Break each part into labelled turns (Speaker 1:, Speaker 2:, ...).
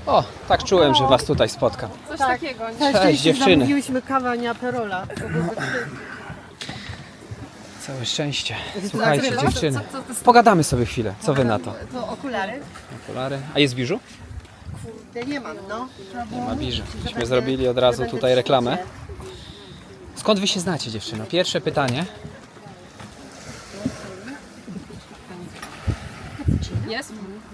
Speaker 1: O, tak czułem, że was tutaj spotkam.
Speaker 2: Coś takiego.
Speaker 1: Cześć dziewczyny.
Speaker 3: Zamówiliśmy kawę, a nie aperola.
Speaker 1: Całe szczęście. Słuchajcie
Speaker 2: Nagrywasz?
Speaker 1: dziewczyny.
Speaker 2: Co to jest?
Speaker 1: Pogadamy sobie chwilę. Co wy na to?
Speaker 3: To okulary?
Speaker 1: Okulary. A jest biżu?
Speaker 3: Kurde, nie mam, no.
Speaker 1: Nie ma biżu. Myśmy zrobili od razu tutaj reklamę. Skąd wy się znacie dziewczyno? Pierwsze pytanie.
Speaker 2: Jest?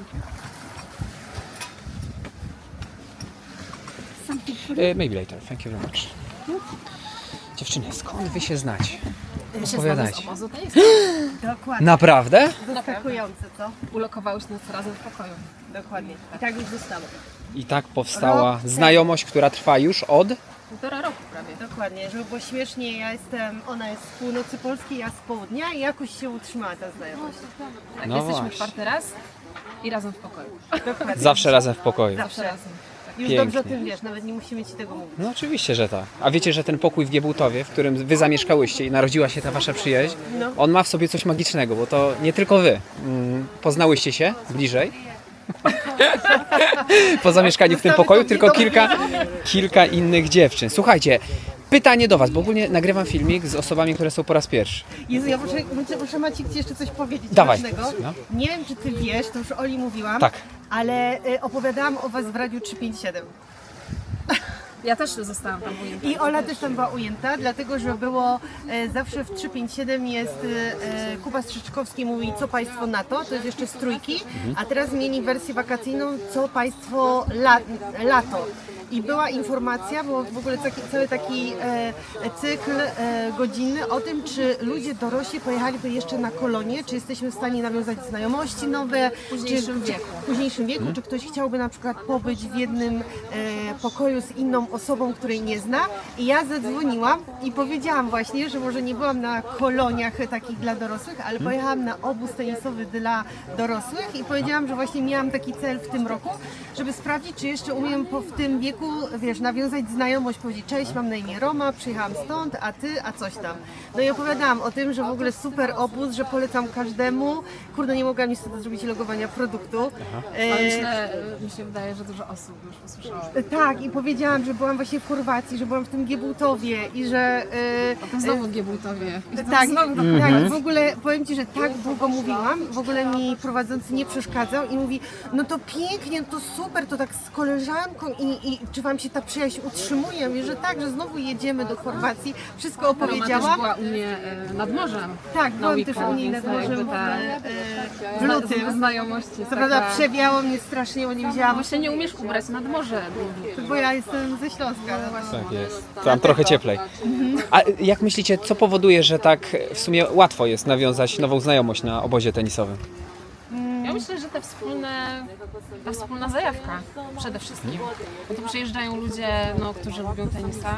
Speaker 1: Maybe later. Thank you very much. Dziewczyny, skąd wy się znacie?
Speaker 2: My się
Speaker 1: Opowiadajcie.
Speaker 2: znamy z obozu, to jest.
Speaker 3: Dokładnie.
Speaker 1: Naprawdę?
Speaker 3: Zaskakujące, co?
Speaker 2: Ulokowałeś nas razem w pokoju.
Speaker 3: Dokładnie. I tak już zostało.
Speaker 1: I tak powstała znajomość, która trwa już od...
Speaker 2: 1,5 roku prawie.
Speaker 3: Dokładnie. Żeby było śmiesznie, ona jest z północy Polski, ja z południa i jakoś się utrzymała ta znajomość.
Speaker 2: Tak,
Speaker 1: No
Speaker 2: jesteśmy
Speaker 1: właśnie.
Speaker 2: 4. raz i razem w pokoju.
Speaker 3: Dokładnie.
Speaker 1: Zawsze razem w pokoju.
Speaker 2: Zawsze razem.
Speaker 3: Już
Speaker 1: Pięknie.
Speaker 3: dobrze o tym wiesz, nawet nie musimy ci tego mówić.
Speaker 1: No oczywiście, że tak. A wiecie, że ten pokój w Giebułtowie, w którym wy zamieszkałyście i narodziła się ta wasza przyjaźń,
Speaker 3: No.
Speaker 1: on ma w sobie coś magicznego, bo to nie tylko wy poznałyście się bliżej po zamieszkaniu w tym pokoju, tylko kilka innych dziewczyn. Słuchajcie, pytanie do was, bo ogólnie nagrywam filmik z osobami, które są po raz pierwszy.
Speaker 3: Jezu, ja muszę Maciek ci jeszcze coś powiedzieć
Speaker 1: Dawaj.
Speaker 3: ważnego.
Speaker 1: No.
Speaker 3: Nie wiem, czy ty wiesz, to już Oli mówiłam,
Speaker 1: Tak.
Speaker 3: ale opowiadałam o was w Radiu 357.
Speaker 2: Ja też zostałam tam ujęta.
Speaker 3: I Ola też tam była ujęta, dlatego że było zawsze w 357 jest Kuba Strzyczkowski mówi co państwo na to, to jest jeszcze z trójki, a teraz zmieni wersję wakacyjną co państwo lato. I była informacja, było w ogóle cały taki cykl godzinny o tym, czy ludzie dorośli pojechaliby jeszcze na kolonie, czy jesteśmy w stanie nawiązać znajomości nowe, w późniejszym wieku, czy ktoś chciałby na przykład pobyć w jednym pokoju z inną osobą, której nie zna. I ja zadzwoniłam i powiedziałam właśnie, że może nie byłam na koloniach takich dla dorosłych, ale pojechałam na obóz tenisowy dla dorosłych i powiedziałam, że właśnie miałam taki cel w tym roku, żeby sprawdzić, czy jeszcze umiem w tym wieku, wiesz, nawiązać znajomość, powiedzieć cześć, mam na imię Roma, przyjechałam stąd, a ty, a coś tam. No i opowiadałam o tym, że w ogóle super obóz, że polecam każdemu. Kurde, nie mogłam niestety zrobić logowania produktu.
Speaker 2: Ale mi się wydaje, że dużo osób już usłyszało.
Speaker 3: Tak, i powiedziałam, że byłam właśnie w Chorwacji, że byłam w tym Giebułtowie i że...
Speaker 2: Potem znowu w Giebułtowie.
Speaker 3: tak,
Speaker 2: Znowu
Speaker 3: tak, w ogóle powiem ci, że tak długo mówiłam, w ogóle mi prowadzący nie przeszkadzał i mówi, no to pięknie, to super, to tak z koleżanką i czy wam się ta przyjaźń utrzymuje? Ja mówię, że tak, że znowu jedziemy do Chorwacji, wszystko
Speaker 2: Roma też
Speaker 3: opowiedziałam.
Speaker 2: była u mnie nad morzem.
Speaker 3: Tak,
Speaker 2: na
Speaker 3: byłam też u
Speaker 2: weekend,
Speaker 3: niej nad
Speaker 2: więc
Speaker 3: morzem
Speaker 2: jakby
Speaker 3: w lutym.
Speaker 2: Znajomości.
Speaker 3: Co prawda przewiało mnie strasznie, bo nie widziałam,
Speaker 2: Bo się nie umiesz ubrać nad morze.
Speaker 3: bo ja jestem ze Śląska. No właśnie.
Speaker 1: Tak jest. Tam trochę cieplej. A jak myślicie, co powoduje, że tak w sumie łatwo jest nawiązać nową znajomość na obozie tenisowym?
Speaker 2: Ja myślę, że ta wspólna zajawka przede wszystkim. Bo tu przyjeżdżają ludzie, którzy lubią tenisa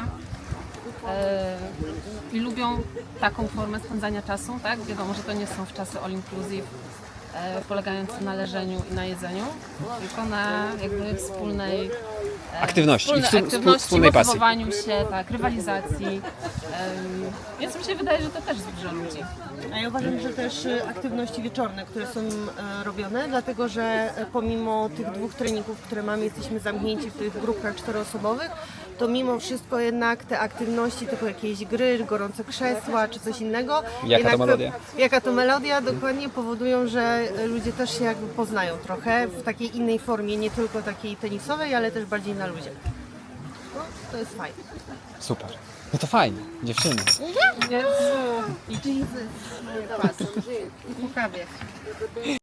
Speaker 2: i lubią taką formę spędzania czasu, tak? Wiadomo, że to nie są wczasy all inclusive, polegające na leżeniu i na jedzeniu, tylko na jakby wspólnej
Speaker 1: Aktywności i
Speaker 2: aktywności,
Speaker 1: wspólnej pasji.
Speaker 2: motywowaniu się, tak, rywalizacji. Więc mi się wydaje, że to też zbliża ludzi.
Speaker 3: A ja uważam, że też aktywności wieczorne, które są robione, dlatego że pomimo tych 2 treningów, które mamy, jesteśmy zamknięci w tych grupkach 4-osobowych, to mimo wszystko jednak te aktywności, typu jakieś gry, gorące krzesła czy coś innego.
Speaker 1: Jaka to melodia?
Speaker 3: Jaka to melodia, dokładnie powodują, że ludzie też się jakby poznają trochę w takiej innej formie, nie tylko takiej tenisowej, ale też bardziej na luzie. No, to jest fajne.
Speaker 1: Super. No to fajnie, dziewczyny.
Speaker 2: Jezu.
Speaker 3: I Jesus. I po kawie.